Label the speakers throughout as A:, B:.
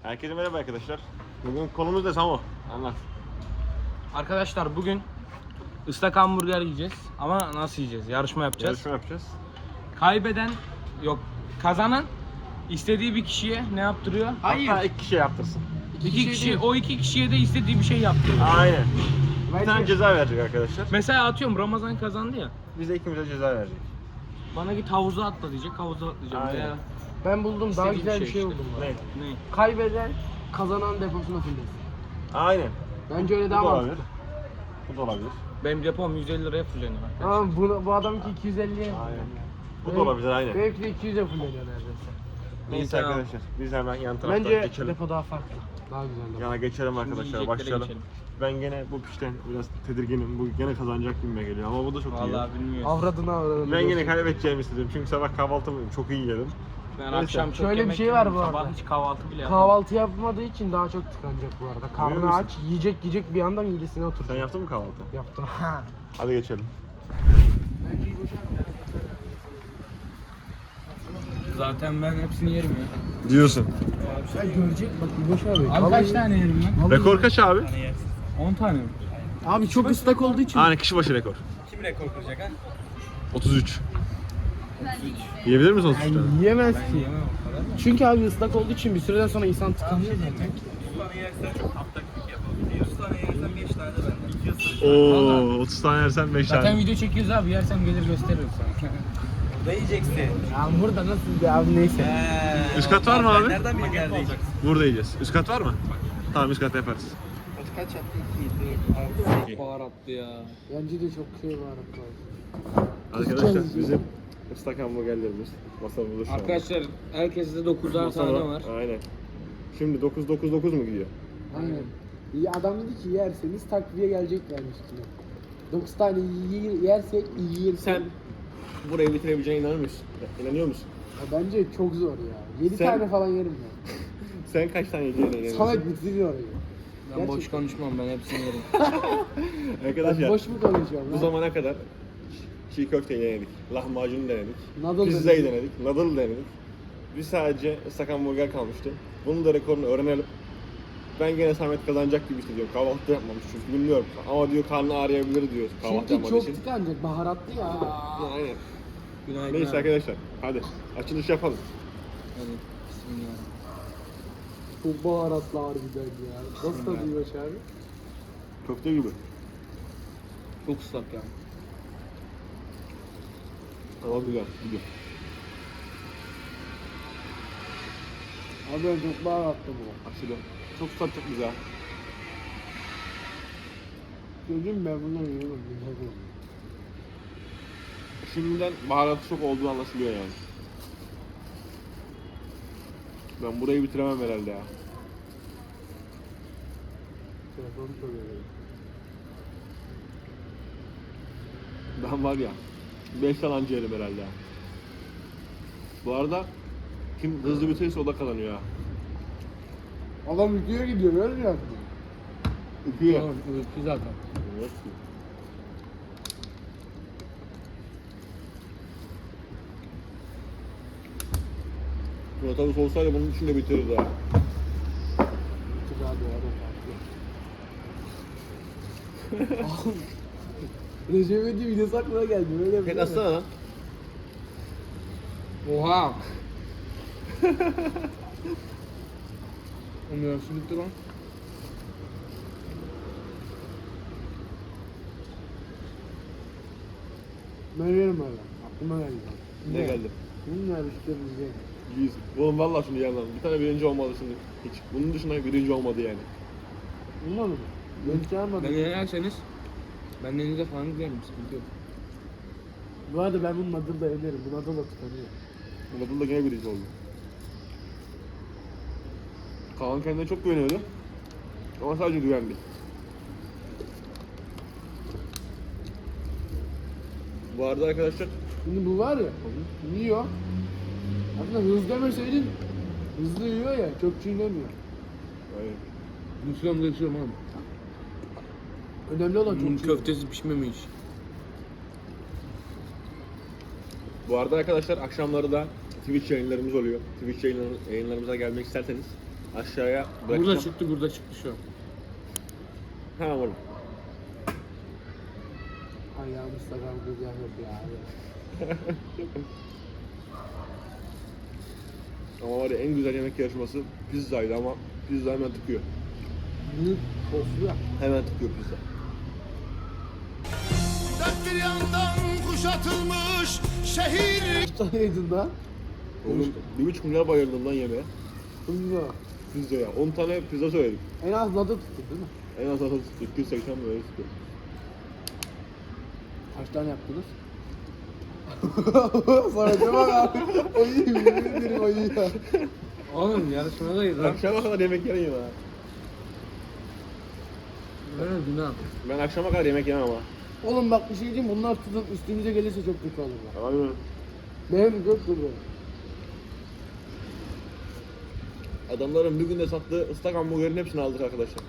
A: Herkese merhaba arkadaşlar. Bugün konumuz ne Samo? Anlat.
B: Arkadaşlar bugün ıslak hamburger yiyeceğiz ama nasıl yiyeceğiz? Yarışma yapacağız.
A: Yarışma yapacağız.
B: Kaybeden yok, kazanan istediği bir kişiye ne yaptırıyor?
A: Hatta iki kişi yaptırsın.
B: İki kişi, o iki kişiye de istediği bir şey yaptırıyor.
A: Aynen. Bir tane ceza verecek arkadaşlar.
B: Mesela atıyorum Ramazan kazandı ya.
A: Biz de ikimize ceza verecek.
B: Bana git havuza atla diyecek, havuza atlayacağım.
A: Aynen.
B: Veya
C: Ben buldum, daha
B: İstediğim
C: güzel bir
B: şey
C: şey
B: işte.
C: buldum.
A: Ne?
B: ne?
C: Kaybeden kazanan deposuna fullesin.
A: Aynen.
C: Bence öyle
A: Bu
C: daha
A: da olabilir.
C: mantıklı.
A: Bu da olabilir.
B: Benim depom 150 liraya fulleniyor arkadaşlar.
C: Ama bu adamki 250'ye.
A: Aynen. Bu da olabilir aynen.
C: Benimki de 200'e fulleniyor neredeyse.
A: Neyse
B: Tamam.
A: arkadaşlar. Biz hemen yan taraftan
C: Bence
A: geçelim.
C: depo daha farklı. Daha güzel depo.
A: Yana geçelim
B: Şimdi
A: arkadaşlar.
B: yiyeceklere
A: Başlayalım.
B: geçelim.
A: Ben gene bu pişten biraz tedirginim. Bu gene kazanacak gibime geliyor ama bu da çok iyi.
B: Vallahi bilmiyorum.
C: Avradını.
A: Ben yine kaybedeceğimi istedim çünkü sabah kahvaltımı çok iyi yedim.
B: Ben
A: Neyse.
B: akşam çok
C: Şöyle bir
B: yemek
C: şey var
B: yedim,
C: bu
B: sabah
C: arada.
B: hiç kahvaltı bile yapmadım.
C: Kahvaltı yapmadığı için daha çok tıkanacak bu arada.
A: Biliyor
C: Karnı
A: musun?
C: aç, yiyecek bir anda midesine
A: Sen
C: oturacak.
A: yaptın mı kahvaltı?
C: Yaptım.
A: Hadi geçelim.
B: Zaten ben hepsini yerim ya.
A: Diyorsun.
C: Sen görecek bak Boş abi.
B: Abi
C: Vallahi-
B: kaç tane yerim ben?
A: Rekor kaç abi?
B: 10 tane mi?
C: Abi çok ıslak olduğu için.
A: Hani kişi başı rekor.
B: Kim rekor kıracak ha?
A: 33. Yiyebilir misin 33 tane?
C: Yiyemez
B: Ben
C: ki.
B: yiyemem o kadar da.
C: Çünkü abi ıslak olduğu için bir süreden sonra insan tıkanıyor zaten.
A: 30 tane yersen 5
B: Zaten
A: tane.
B: video çekiyoruz abi, yersem gelir gösteririm sana.
D: Burada yiyeceksin.
C: Ya burada nasıl bir abi neyse.
A: Üst kat var mı abi?
D: Nereden bir yerde yiyeceksin?
A: Burada yiyeceğiz. Üst kat var mı? Tamam üst kat yaparız.
D: Kaç yaptı? 2, 4, 6,
B: Baharatlı ya.
C: Bence de çok şey var.
A: Arkadaşlar bizim ıslak hamburgerlerimiz masamızda şu an.
B: Arkadaşlar herkeste 9'ar tane var.
A: Aynen. Şimdi 9 mu gidiyor?
C: Aynen. İyi adam dedi ki yerseniz takviye gelecek vermiş ki. 9 tane yersek iyi yersek.
A: Sen burayı bitirebileceğine inanır mısın? İnanıyor musun?
C: Ya bence çok zor ya. 7
A: Sen-
C: tane falan yerim ya.
A: Sen kaç tane yiyeceğine inanıyorsun?
C: Salak bitiriyor orayı.
B: Ben boş
C: Gerçekten.
B: konuşmam, ben hepsini yerim.
C: Ben
A: Arkadaşlar
C: boş mu konuşuyorum
A: bu
C: lan?
A: zamana kadar çiğ köfteyi denedik, lahmacunu denedik,
C: Noodle
A: pizzayı
C: denedik.
A: denedik, noodle denedik. Bir sadece ıslak hamburger kalmıştı. Bunun da rekorunu öğrenelim. Ben gene Samet kazanacak gibi hissediyorum. Kahvaltı yapmamış çünkü bilmiyorum. Ama diyor karnı ağrıyabilir diyor kahvaltı
C: Çünkü
A: yapmadığı
C: çok
A: için.
C: tıkanacak. Baharatlı ya.
A: Aynen.
B: Günaydın
A: Neyse
B: abi.
A: arkadaşlar hadi açılış yapalım.
B: Hadi. Bismillah.
C: Çok baharatlı harbiden ya. Nasıl tadıyor abi?
A: Köfte gibi.
B: Çok ıslak ya.
A: Ama güzel gidiyor.
C: Abi ben çok baharatlı bu.
A: Aşırı. Çok tatlı çok güzel.
C: Gözüm ben bunu yiyemem.
A: Şimdiden baharatı çok olduğu anlaşılıyor yani. Ben burayı bitiremem herhalde ya.
C: Telefonu söylüyorum.
A: Ben var ya 5 tane anca yerim herhalde ya. Bu arada kim hızlı bitirirse o da kazanıyor ha.
C: Adam videoya gidiyor öyle mi yaptı?
A: Öpüyor.
B: Tamam, öptü zaten.
A: Evet. Otobüs olsaydı bunun için de bitirirdi ha.
C: Çok abi o adam farklı. Recep İvedik videosu aklına geldi. Öyle
A: Tek atsana lan.
B: Oha! Onun yarısı bitti lan.
C: Ben yerim öyle. Aklıma geldi.
A: Ne geldi?
C: Bunun yarışlarımızı.
A: Yüz. Oğlum vallahi şunu yandan. Bir tane birinci olmadı şimdi. Hiç. Bunun dışında birinci olmadı yani.
C: Olmadı mı? Ben çağırmadım.
B: Ben yenerseniz ben denize falan giderim, sıkıntı yok.
C: Bu arada ben bunun adını da yenerim. Bunun adı da tıkanıyor.
A: Murat'ın da gene birinci oldu. Kaan kendine çok güveniyordu. Ama sadece güvendi. Bu arada arkadaşlar
C: Şimdi bu var ya, yiyor. Aslında hızlı demeseydin, hızlı yiyor ya, çok çiğnemiyor.
A: yani
B: Müslüman geçiyorum oğlum.
C: Önemli olan çok
B: Bunun
C: çiğnemiyor.
B: köftesi pişmemiş.
A: bu arada arkadaşlar akşamları da Twitch yayınlarımız oluyor. Twitch yayınlarımıza gelmek isterseniz Aşağıya
B: Burada
A: bırakacağım.
B: çıktı şu an.
A: Hemen vurun.
C: Ayağım Instagram burger yok ya abi.
A: Ama var ya en güzel yemek yarışması pizzaydı ama pizza hemen tıkıyor.
C: Büyük soslu ya.
A: Hemen tıkıyor pizza.
E: Dört bir yandan kuşatılmış şehir.
C: Kaç tane yedin lan?
A: Oğlum 1,5 milyar bayıldım lan yemeğe.
C: Bilmiyorum.
A: Pizzaya. 10 tane pizza söyledik.
C: En az nadı tuttu değil mi?
A: En az 280 böyle tutuyor.
C: Kaç tane yaptınız? Sonra bak abi. O iyi, yemin ederim o iyi ya.
B: Oğlum yarışmadayız lan.
A: Akşama kadar yemek yemeyeyim ha.
B: Böyle günah.
A: Ben akşama kadar yemek yemem ama.
C: Oğlum bak bir şey diyeyim, bunlar tutun üstümüze gelirse çok kötü olur. Bak.
A: Tamam mı?
C: Benim çok kötü.
A: Adamların bir günde sattığı ıslak hamburgerin hepsini aldık arkadaşlar.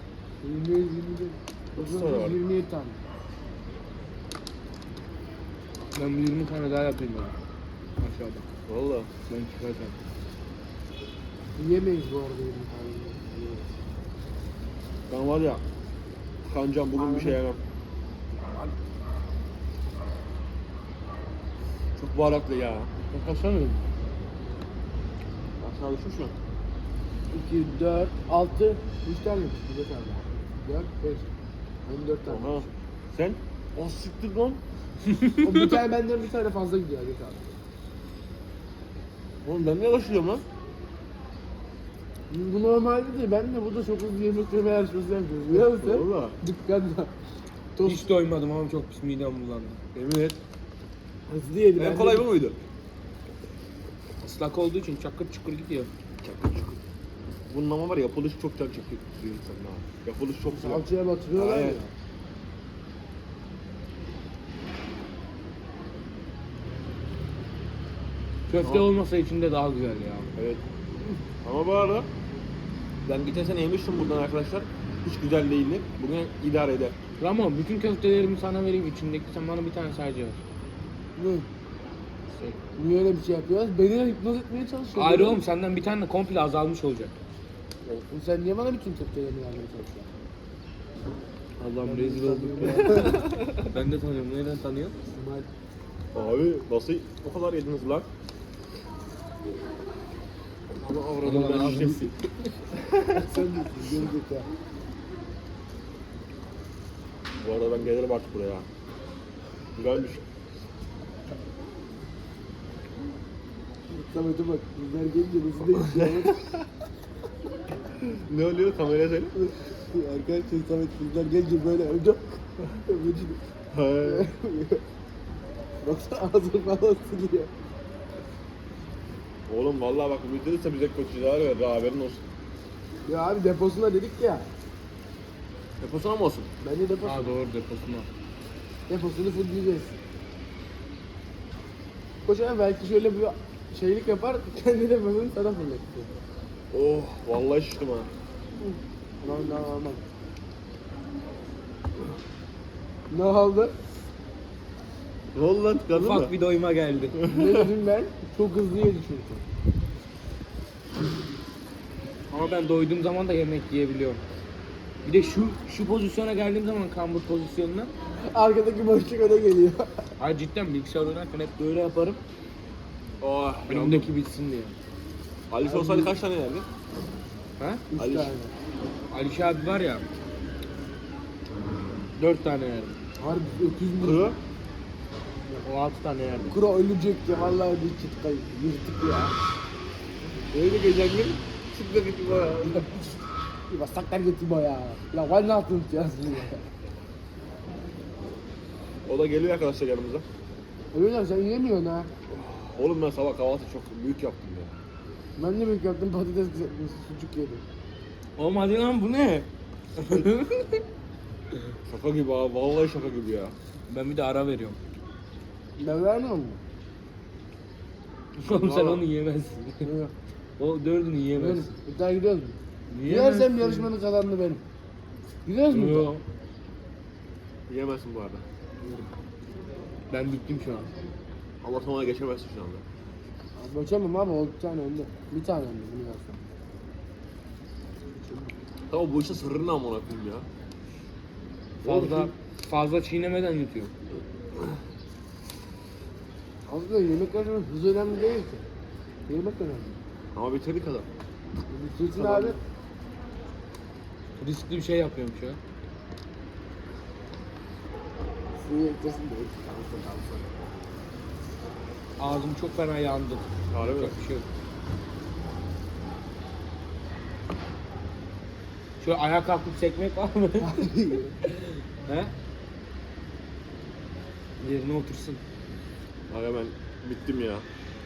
C: 27
A: sonra var.
C: 27 tane.
B: Ben bir 20 tane daha yapayım ben. Aşağıda.
A: Valla.
B: Ben çıkartacağım.
C: Yiyemeyiz bu arada 20 tane. Yiyemeyiz.
A: Ben var ya kancam bugün bir şey yemem. Çok baharatlı ya.
C: Kaç tane yedin?
A: Aşağı düşmüş mü?
C: 2, 4, 6, 3 tane mi? 4 tane. 4, 5. Ben 4 tane.
A: Aha. Sen? O siktir lan.
C: O bir tane benden bir tane fazla gidiyor Adet abi.
A: Oğlum ben niye başlıyorum lan?
C: Bu normalde de ben de burada çok hızlı yemek yeme yarışması yapıyoruz. Biliyor musun?
A: Valla.
C: Dükkanda. Tost
B: Hiç doymadım ama çok pis midem bulandı.
A: Emin et.
C: hızlı yedi.
A: En kolay bu muydu?
B: Islak olduğu için çakır çukur gidiyor.
A: Çakır çukur. Bunun ama var ya yapılışı çok can çekiyor insanın ha. Yapılışı çok güzel.
C: Salçaya batırıyorlar
A: Aynen.
C: ya.
B: Köfte
A: Aa.
B: olmasa içinde daha güzel ya.
A: Evet. Ama bu arada ben geçen sene yemiştim buradan arkadaşlar. Hiç güzel değildi. Bugün idare eder.
B: Ramo bütün köftelerimi sana vereyim içindeki, sen bana bir tane sadece ver.
C: Ne? Niye öyle bir şey yapıyoruz? Beni de hipnoz etmeye çalışıyor.
B: Hayır oğlum, senden bir tane de komple azalmış olacak.
C: Oğlum sen niye bana bütün köftelerini vermeye çalışıyorsun?
B: Allah'ım
C: Ben
B: rezil
C: de
B: olduk.
C: sanıyorum.
B: Ben de tanıyorum. Nereden tanıyorsun?
C: İsmail.
A: Abi nasıl o kadar yediniz lan? Ama avradım
B: Ulan
A: ben
B: abi.
A: şişesi.
C: Sen misin? Gördük ya.
A: Bu arada ben gelirim artık buraya. Güzelmiş.
C: Samet'e bak. Bizler gelince nasıl değişiyor?
A: Ne oluyor kameraya söyle.
C: Arkadaşlar Samet bizler gelince böyle öldü. Öldü.
A: He.
C: Baksana ağzını falan siliyor.
A: Oğlum vallahi bak bu videoda bize kötü şeyler ver haberin olsun.
C: Ya abi deposuna dedik ya.
A: Deposuna mı olsun?
C: Bence deposu.
B: Aa doğru, deposuna.
C: Deposunu full yiyeceğiz. Koş abi belki şöyle bir şeylik yapar, kendi deposunu sana fırlatıyor.
A: Oh vallahi şiştim ha.
C: Aman. Ne oldu?
A: Ne oldu lan tıkandın mı?
B: Ufak bir doyuma geldi.
C: Ne dedim ben? Çok hızlı yedi çünkü.
B: Ama ben doyduğum zaman da yemek yiyebiliyorum. Bir de şu pozisyona geldiğim zaman, kambur pozisyonuna.
C: Arkadaki boşluk öne geliyor.
B: Ay cidden bilgisayar oynarken hep böyle yaparım.
A: Oh
B: Önümdeki bitsin diye.
A: Alice olsaydı kaç tane yerdi?
B: Ha?
C: 3
A: Ali-
C: tane.
B: Alişe abi var ya. 4 tane yerdim.
C: Harbi öküz mü?
A: Kuru.
B: O 6 tane yerdim.
C: Kuro ölecek ya vallahi bir çıtkayı. Yırtık ya.
A: Öyle geçen gün çıktı gitti bana.
C: Bir basaklar getiriyor ya. La var ne yaptın ya?
A: O da geliyor arkadaşlar yanımıza.
C: Öyle sen yiyemiyorsun ha.
A: Oğlum ben sabah kahvaltı çok büyük yaptım ya.
C: Ben de büyük yaptım patates kızartması, sucuk yedim.
B: Oğlum hadi lan, bu ne?
A: Şaka gibi abi vallahi şaka gibi ya.
B: Ben bir de ara veriyorum.
C: Ben vermem mi?
B: Oğlum sen
A: Valla.
B: onu yiyemezsin.
C: Yok.
B: O 4'ünü
C: Benim.
B: yiyemezsin.
C: İddia gidiyoruz mu?
B: Yiyemezsin.
C: Gidersem yarışmanın kazananı benim. Gidiyoruz mu?
B: Yok.
A: Yiyemezsin bu arada.
B: Ben bittim şu an.
A: Ama sonra geçemezsin şu anda.
C: Geçemem abi o bir tane önde. Bir tane önde bunu yazsam.
A: Tamam bu işin sırrını amına koyayım ya.
B: Fazla çiğnemeden yutuyor.
C: Aslında yemek önemli, hız önemli değil ki. Yemek önemli.
A: Ama bitirdik adam.
C: Bitirsin
A: Tamam.
C: abi.
B: Riskli bir şey yapıyorum şu an.
C: Suyu eklesin de kalsın.
B: Ağzım çok fena yandı.
A: Harbi mi?
B: Çok bir şey yok. Şöyle ayağa kalkıp sekmek var mı? He? Yerine otursun.
A: Aga ben bittim ya.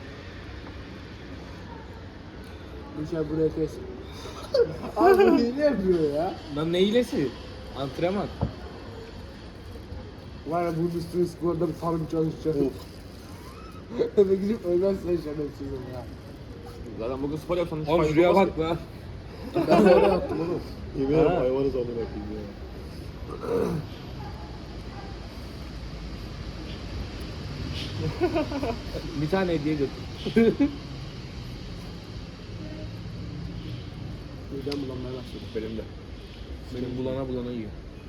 C: Dışarı buraya kes. Abi bu hile yapıyor ya.
B: Lan ne hilesi? Antrenman.
C: Var ya bunun üstüne skorda bir farm çalışacak. Eve gidip ölmezsen şerefsizim ya.
A: Zaten bugün spor yapsam hiç
B: Oğlum
A: fayda
B: şuraya
A: olmaz
B: bak
A: ki.
B: lan.
C: Ben de öyle yaptım oğlum.
A: Yemin ederim
B: Ha.
A: hayvanız amına koyayım ya.
B: Bir tane hediye götür.
C: Midem bulanmaya başladı.
A: Benim de.
B: Benim bulana yiyor.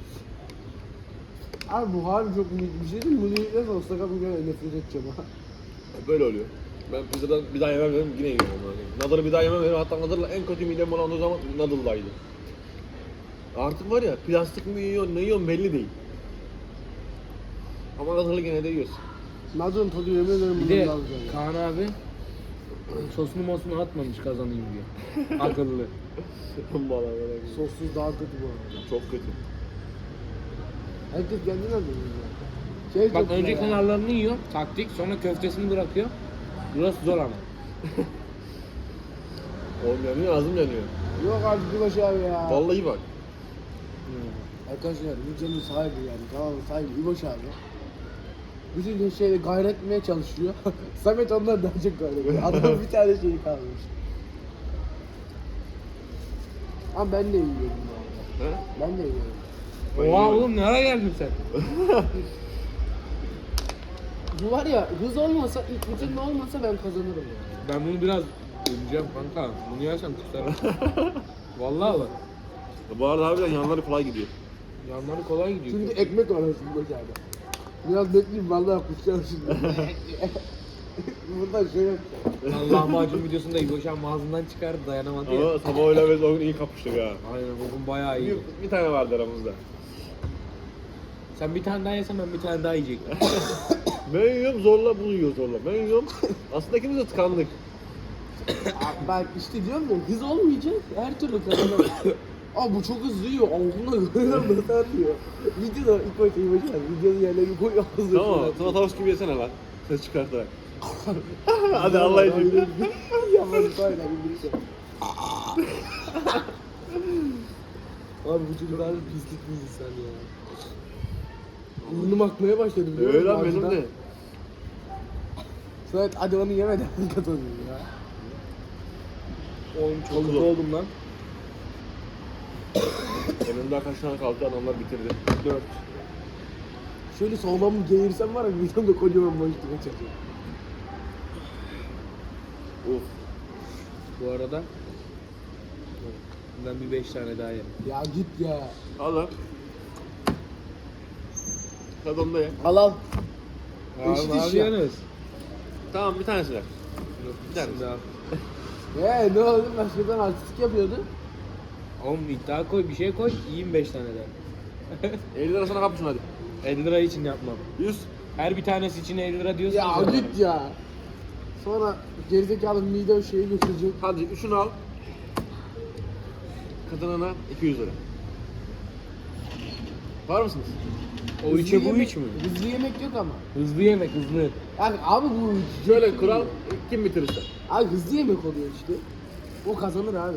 C: Abi bu harbi çok bir şey değil mi? Bunu yiyeceğiz olsa kabul nefret edeceğim ha.
A: Böyle oluyor. Ben pizzadan bir daha yemem dedim yine yiyorum yani. Nadal'ı bir daha yemem dedim. Hatta Nadal'la en kötü midem bulandığı zaman Nadal'daydı. Artık var ya plastik mi yiyor ne yiyorsun belli değil. Ama Nadal'ı gene de yiyorsun.
C: Nadır'ın tadı yemin ederim
B: Bir
C: bundan
B: de
C: daha güzel ya.
B: Kaan abi sosunu mosunu atmamış kazanayım diyor. Akıllı.
A: Bana böyle.
C: Sossuz daha kötü bu arada.
A: Çok kötü.
C: Herkes kendine de yiyor. Şey
B: Bak
C: çok
B: önce
C: güzel ya.
B: kenarlarını yiyor, taktik, sonra köftesini bırakıyor. Burası zor ama.
A: Oğlum yanıyor ağzım yanıyor.
C: Yok artık bir başı abi ya.
A: Vallahi bak.
C: Arkadaşlar videonun sahibi yani kanalın sahibi İboş abi. Bütün şeyle gayret etmeye çalışıyor. Samet ondan daha çok gayret ediyor. Adamın bir tane şeyi kalmış. Ama ben de yiyorum bu arada.
A: He?
C: Ben de yiyorum.
A: Ben
B: Oha
A: yiyorum.
B: oğlum nereye geldin sen?
C: Bu var ya hız olmasa, ilk bütün olmasa ben kazanırım yani.
B: Ben bunu biraz yiyeceğim kanka. Bunu yersen kusarım. Vallahi bak.
A: Bu arada harbiden yanları kolay gidiyor.
B: Yanları kolay gidiyor.
C: Çünkü ekmek var arasında İboş abi. Biraz bekleyeyim vallahi kusacağım şimdi. Buradan şöyle yapacağım.
B: Lahmacun videosunda İboşan ağzından çıkardı dayanamadı ya.
A: Ama sabah öyle biz o gün iyi kapıştık ha.
B: Aynen bugün bayağı iyi.
A: Bir tane vardı aramızda.
B: Sen bir tane daha yesen ben bir tane daha yiyecektim.
A: Ben yiyorum zorla bunu yiyor zorla. Ben yiyorum. Aslında ikimiz de tıkandık.
C: Abi bak işte diyorum ya hız olmayacak her türlü kazanırım. Abi bu çok hızlı yiyor. Ağzına görüyorum nasıl atıyor. Videoda ilk başta İboş abi. Videonun yerlerini koy ağzına.
A: Tamam sana tavus gibi yesene lan. Ses çıkartarak. Hadi Allah için.
C: Yapmadı aynen bir şey. Abi bu çocuk harbi pislik bir insan ya. Burnum akmaya başladı biliyor musun?
A: Öyle lan benim
C: ağzından?
A: de.
C: Samet hadi onu yemeden kazanayım ya.
B: Oğlum çok
A: Çok
B: kötü
A: zor.
B: oldum lan.
A: Benim daha kaç tane kaldı adamlar bitirdi.
B: 4.
C: Şöyle sağlam bir geğirsem var ya videomda kocaman boşluğa çekiyor.
A: Uf.
B: Bu arada bundan bir 5 tane daha yerim.
C: Ya git ya.
A: Al lan. Tadında ye.
C: Al al.
B: Abi ne yapıyorsunuz?
A: Tamam bir tanesi ver.
B: Yok
A: Bir tane.
B: daha.
C: Ne oldu başkadan artistik yapıyordu.
B: Oğlum iddia koy bir şey koy yiyeyim 5 tane daha.
A: 50 lira sana kapışın hadi.
B: 50 lira için yapmam.
A: 100.
B: Her bir tanesi için 50 lira diyorsun.
C: Ya git ya. Sonra gerizekalı mide şeyi götürecek.
A: Hadi şunu al. Kazanana 200 lira. Var mısınız?
B: O içe bu iç mi?
C: Hızlı yemek yok ama.
B: Hızlı yemek hızlı.
C: Yani abi bu
A: Şöyle kural kim bitirirse.
C: Abi hızlı yemek oluyor işte. O kazanır abi.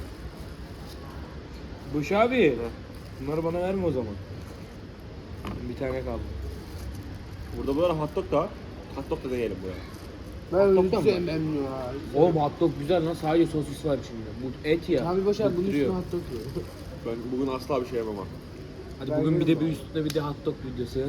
B: Boş abi. Bunları bana verme o zaman. Bir tane kaldı.
A: Burada bu ara hot dog da var. Hot dog da deneyelim buraya.
C: Ben
B: Hot dog da
C: hiç
B: mı?
C: sevmem ya.
B: Oğlum hot dog güzel lan sadece sosis var içinde. Bu et ya.
C: Abi boşver bunun üstüne
B: bıktırıyor.
C: hot dog yiyor.
A: Ben bugün asla bir şey yapamam.
B: Hadi
C: Ben
B: bugün bir de
C: yerim
B: bir
C: abi.
B: üstüne bir de hot dog videosu.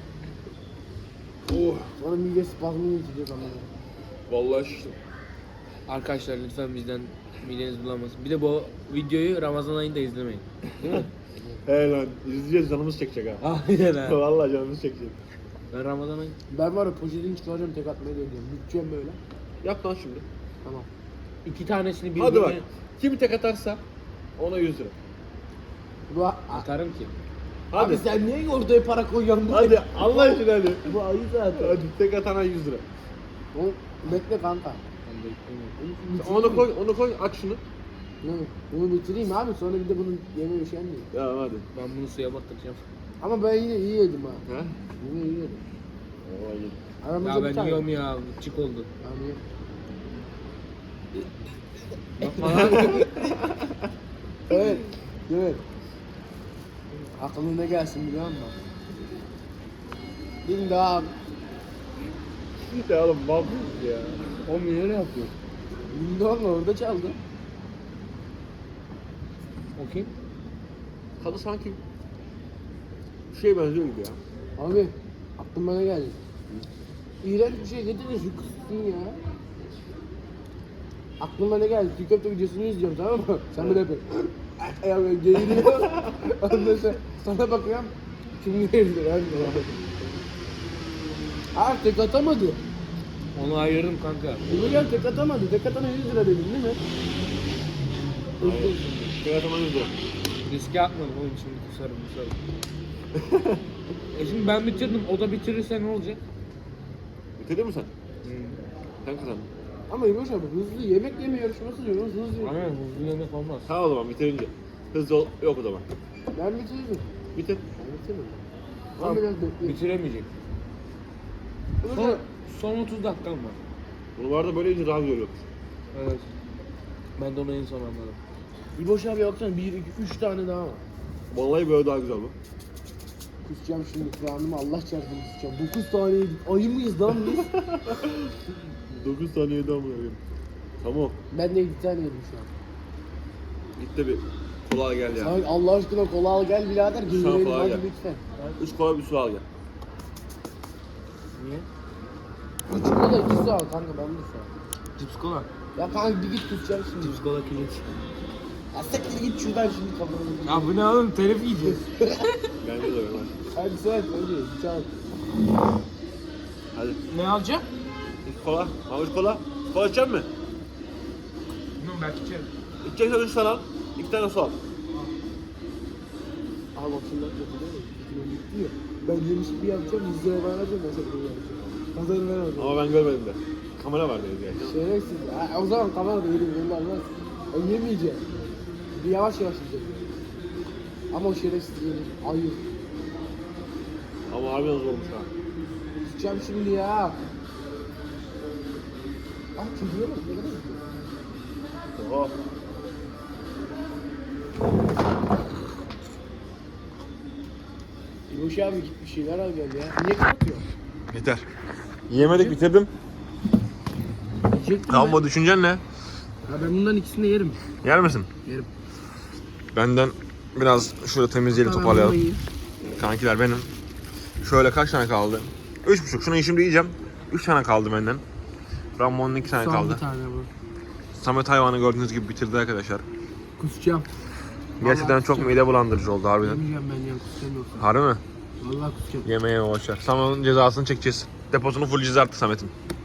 A: Oh.
C: Sonra mide spazmını yiyecek ama.
A: Vallahi şiştim.
B: Arkadaşlar lütfen bizden Mideniz bulanmasın. Bir de bu videoyu Ramazan ayında izlemeyin. Değil mi?
A: He lan izleyeceğiz canımız çekecek ha.
B: Aynen ha.
A: Vallahi canımız çekecek.
B: Ben Ramazan ayı.
C: Ben var ya poşetini çıkaracağım tek atmayı dönüyorum. Bütçem böyle.
A: Yap lan şimdi.
C: Tamam.
B: 2 tanesini birbirine
A: Hadi bak. Kim tek atarsa ona 100 lira.
C: Bu,
B: atarım ki.
A: Hadi.
C: Abi sen niye ortaya para koyuyorsun?
A: Hadi Allah aşkına hadi.
C: Bu ayı zaten.
A: Hadi tek atana 100 lira.
C: O, bekle kanka.
B: Ben de beklemiyorum.
A: Onu koy aç şunu.
C: Bunu bitireyim abi sonra bir de bunun yemeği üşenmiyor.
A: Ya hadi.
B: Ben bunu suya batıracağım.
C: Ama ben yine iyi yedim ha.
A: Ha?
C: Yine iyi yedim.
A: Vallahi iyi.
C: Aramızda
B: Ya
C: bir
B: ben
C: tane.
B: yiyorum ya. Çık oldu.
C: Yani
B: Bak falan.
C: evet. Evet. Aklına ne gelsin biliyor musun? Ding dong.
A: Ya oğlum mal mısın ya?
B: O niye öyle yapıyor?
C: Ding dong orada çaldı.
B: O kim?
A: Tadı sanki bir şeye benziyor gibi ya.
C: Abi aklıma ne geldi? İğrenç bir şey getirin şu kızsın ya. Aklıma ne geldi? Türk köfte videosunu izliyorum tamam mı? Sen böyle yapıyorsun. Ya böyle geğiriyor. Ondan sonra sana bakıyorum. Kim geğirdi lan? Tek atamadı.
B: Onu ayırırım kanka.
C: Bu gel tek atamadı. Tek atana 100 lira dedim değil mi?
A: Hayır. Tek atana 100 lira.
B: Riske atmadım oğlum şimdi kusarım. Şimdi ben bitirdim. O da bitirirse ne olacak?
A: Bitirdin mi sen? Sen kazandın.
C: Ama İboş abi hızlı yemek yeme yarışması diyoruz. Hızlı yemek.
B: Aynen hızlı yemek olmaz.
A: Tamam o zaman bitirince. Hızlı ol. Yok o zaman.
C: Ben bitirdim.
A: Bitir.
C: Ben bitirdim.
A: Tamam.
C: Ama biraz bekleyin.
B: Bitiremeyecek. Son 30 dakikam var.
A: Bunu var da böyle iyice daha güzel olur.
B: Evet. Ben de onu en son anladım.
C: İboş abi baksana 1, 2, 3 tane daha var.
A: Vallahi böyle daha güzel bu.
C: Kusacağım şimdi kulağımı Allah çarpsın kusacağım. 9 tane yedik. Ayı mıyız lan biz?
A: 9 tane yedi ama ya. Tamam.
C: Ben de 7 tane yedim şu an.
A: Git de bir kola gel ya.
C: Ay Allah aşkına kola al gel birader. Gelirelim
A: kolay
C: hadi
A: gel.
C: lütfen.
A: 3 kola bir su al gel.
B: Niye?
C: 3 kola 2 su al kanka ben de su al.
B: Cips kola.
C: Ya kanka bir git kusacağım şimdi.
B: Cips kola kilit.
C: Ya siktir git şuradan şimdi kafanı.
B: Ya bu ne oğlum? Telif yiyeceğiz.
A: Bence de öyle.
C: Hadi söyle önce çal.
A: Hadi.
B: Ne alacağım?
A: 3 kola. Al 3 kola. Kola içecek misin?
B: Bilmiyorum belki içerim.
A: İçeceksen 3 tane al. 2 tane su al.
C: Al bak şimdi kötü değil mi? Kötü gitti ya. Ben yemiş bir yapacağım 100 lira bana vereceğim ben sana bunu yapacağım. Pazarı ver orada.
A: Ama ben görmedim de. Kamera var dedi yani.
C: Şerefsiz. Ha, o zaman kamerada yedim yollar lan. O yemeyeceğim. Bir yavaş yavaş yiyeceğim. Ama o şerefsiz yedim. Ayı.
A: Ama harbiden zormuş ha.
C: Tutacağım şimdi ya. Ah çocuğa bak ne kadar güzel.
A: Oha.
C: İboş abi git bir şeyler al gel ya. Niye kapatıyor?
A: Yeter. Yemedik bitirdim.
C: Yiyecektim
A: Tamam düşüncen ne?
C: ben. Ya ben bundan ikisini de yerim.
A: Yer misin?
C: Yerim.
A: Benden biraz şurada temizleyelim
C: Ben bunu
A: toparlayalım.
C: yiyeyim.
A: Kankiler benim. Şöyle kaç tane kaldı? 3,5. Şunu şimdi yiyeceğim. 3 tane kaldı benden. Ramon'un 2 tane
C: Son
A: kaldı.
C: bir tane bu.
A: Samet hayvanı gördüğünüz gibi bitirdi arkadaşlar.
C: Kusacağım.
A: Gerçekten çok
C: kusacağım.
A: mide bulandırıcı oldu harbiden.
C: Yemeyeceğim ben ya kusacağım yoksa.
A: Harbi mi?
C: Vallahi kusacağım.
A: Yemeğe boşver. Samet'in cezasını çekeceğiz. Deposunu full cezarttı Samet'in.